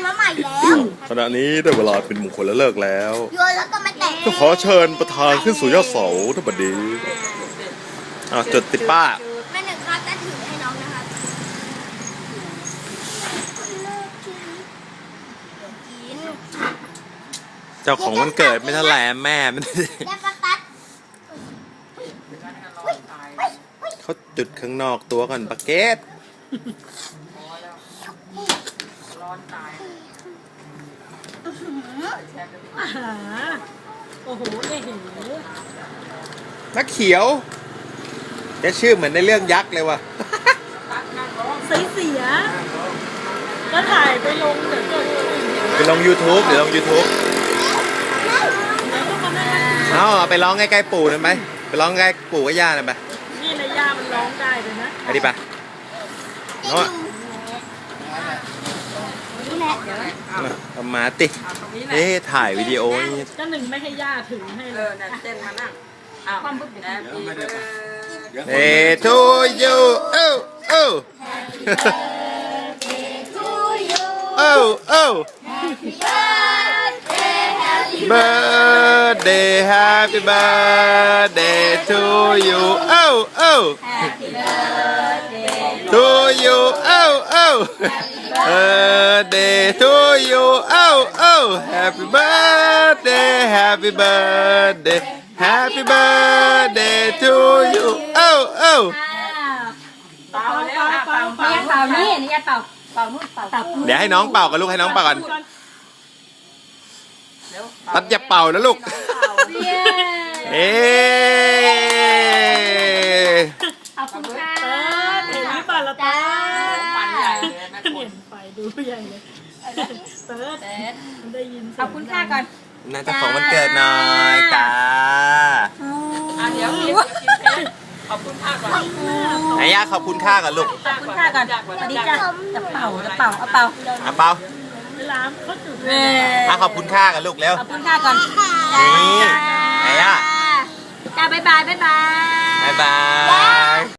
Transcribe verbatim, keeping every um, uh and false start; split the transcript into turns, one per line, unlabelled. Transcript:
มาใหม่แล้ว
ขณะนี้ได้เวลาเป็นมงคลและเลิกแล้ว
โยนแล้วก็ไม่แตก
ก็ขอเชิญประธานขึ้นสู่ยอดเสาทั้งบัดนี้อ่ะจดติดป้า
แม่หนึ่งครับจะถือให้น้องนะครับกิน
เจ้าของวันเกิดไม่เท่าไหร่แม่มัน
แม่ปะตัด
เขาจุดข้างนอกตัวก่อนปะเกต
อาหาโอ้โหเอ๋เห
นักเขียวแกชื่อเหมือนในเรื่องยักษ์เลยว่ะ
ใส่เสียก็ถ่ายไปลงเดี๋ยวเกิด
ไปลง YouTube เดี๋ยวลง YouTube
แล้วก็มานั่ง
เอาเอาไปร้องใกล้ๆปู่หน่อยไหมไปร้องใกล้ปู่กับย่าหน่อยไหม
นี่ในย่ามันร้องได้เลยนะ
ไปดิปะเนาะ
นี่แหละ
เอามาติเอ๊ะถ่ายวิดีโอนี่
ก็หนึ่งไม่ให้ย่าถือให้
เอ
เล
อย นั่นเต้นมานั่งอ้าวแฮปปี้เบิร์ด
เอ้ทูยูโอ้โอ้โอ้โอ้ birthday happy birthday to you oh oh to you oh oh birthday to you oh oh happy birthday happy birthday happy birthday to you oh oh
เป่าแล้วอ่ะเป่าเป่า
นี่เป่านี่นี่เป่าเป่านู่นเป่าเป่า
เดี๋ยวให้น้องเป่ากันลูกให้น้องเป่ากัน
เร็ว
ตัดอย่าเป่านะลูก
เย้
เอ๊
ขอบคุณค่ะ
เออเห็นหรือเปล่าละตา
ปั่นใหญ่เลยแม่ค
เห็
น
นไฟดูใหญ่เลยเติร์ดมันได้ยินเสียง
ขอบคุณค่ะก่อน
น่าจะของวันเกิดหน่อยจ้า
อ่ะเดี๋ยวกินกินเค้กขอบคุณค่าก่อน
ไหนย่าขอบคุณค่ากันลูก
ขอบคุณค่ะก่อนสวัสดีจ้ะจะเป่าจะเป่าเอาเป่า
อ่ะเป่า
เวลาเขาจุด
เออ
อ่ะขอบคุณค่ากันลูกเร็ว
ขอบคุณค่ะก่อน
นี่ไหนอ่ะ
จ้าบ๊ายบายบ๊ายบาย
บ๊ายบาย